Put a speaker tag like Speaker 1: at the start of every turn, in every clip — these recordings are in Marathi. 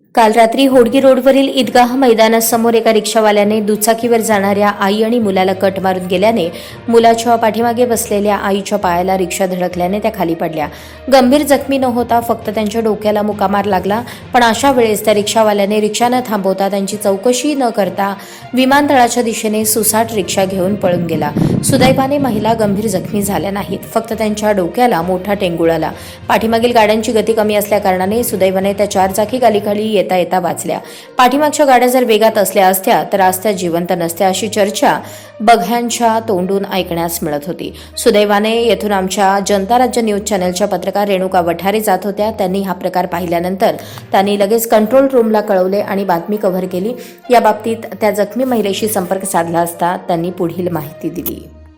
Speaker 1: काल रात्री होडगी रोडवरील ईदगाह मैदानासमोर एका रिक्षावाल्याने दुचाकीवर जाणाऱ्या आई आणि मुलाला कट मारून गेल्याने मुलाच्या पाठीमागे बसलेल्या आईच्या पायाला रिक्षा धडकल्याने त्या खाली पडल्या. गंभीर जखमी न होता फक्त त्यांच्या डोक्याला मुकामार लागला. पण अशा वेळेस त्या रिक्षावाल्याने रिक्षा न थांबवता त्यांची चौकशी न करता विमानतळाच्या दिशेने सुसाट रिक्षा घेऊन पळून गेला. सुदैवाने महिला गंभीर जखमी झाल्या नाहीत. फक्त त्यांच्या डोक्याला मोठा टेंगुळ आला. पाठीमागील गाड्यांची गती कमी असल्याकारणाने सुदैवाने त्या चारचाकी गाडीखाली येता येता वाचल्या. पाठीमागच्या गाड्या जर वेगात असल्या असत्या तर आज त्या जिवंत नसत्या अशी चर्चा बघ्यांच्या तोंडून ऐकण्यास मिळत होती. सुदैवाने येथून आमच्या जनता राज्य न्यूज चॅनलच्या पत्रकार रेणुका वठारे जात होत्या. त्यांनी हा प्रकार पाहिल्यानंतर त्यांनी लगेच कंट्रोल रूमला कळवले आणि बातमी कव्हर केली. या बाबतीत त्या जखमी महिलेशी संपर्क साधला असता त्यांनी पुढील माहिती दिली.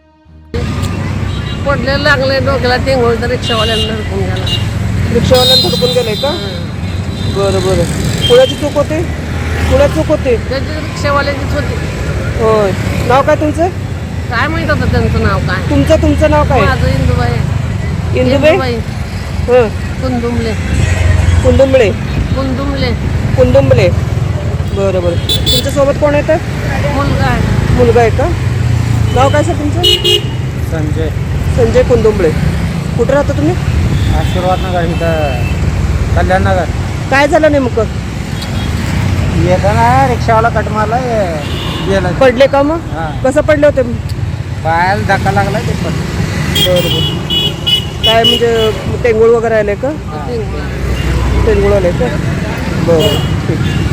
Speaker 2: पडले लागले डोक्याला टेंगोळ तर रिक्षावाल्यांना धडकून गेला.
Speaker 3: रिक्षावाल्यानं धडकून गेलंय का? बरं बरं. कुणाची चूक होते? कुणाची चूक होते?
Speaker 2: त्याची रिक्षावाल्याचीच होती.
Speaker 3: होय. नाव काय तुमचं?
Speaker 2: काय माहित होतं त्यांचं नाव काय?
Speaker 3: तुमचं नाव काय?
Speaker 2: माझं इंदुबाई.
Speaker 3: इंदुबाई? हं.
Speaker 2: कुंदुमले.
Speaker 3: कुंदुंबळे.
Speaker 2: कुंदुमले.
Speaker 3: कुंदुंबळे. बरं बरं. तुमच्यासोबत कोण येतं?
Speaker 2: मुलगा आहे.
Speaker 3: मुलगा आहे का? नाव काय सर तुमचं? संजय कुंदुंबळे. कुठं राहता तुम्ही?
Speaker 4: आशीर्वाद नगर इथं कल्याण नगर.
Speaker 3: काय झालं नेमकं?
Speaker 4: येताना रिक्षावाला कट मारला गेला.
Speaker 3: पडले का मग?
Speaker 4: हां.
Speaker 3: कसं पडले होते?
Speaker 4: पायाला धक्का लागला ते पण.
Speaker 3: बरं बरं. काय म्हणजे टेंगुळ वगैरे आले का? टेंगुळ आले का? बरं ठीक.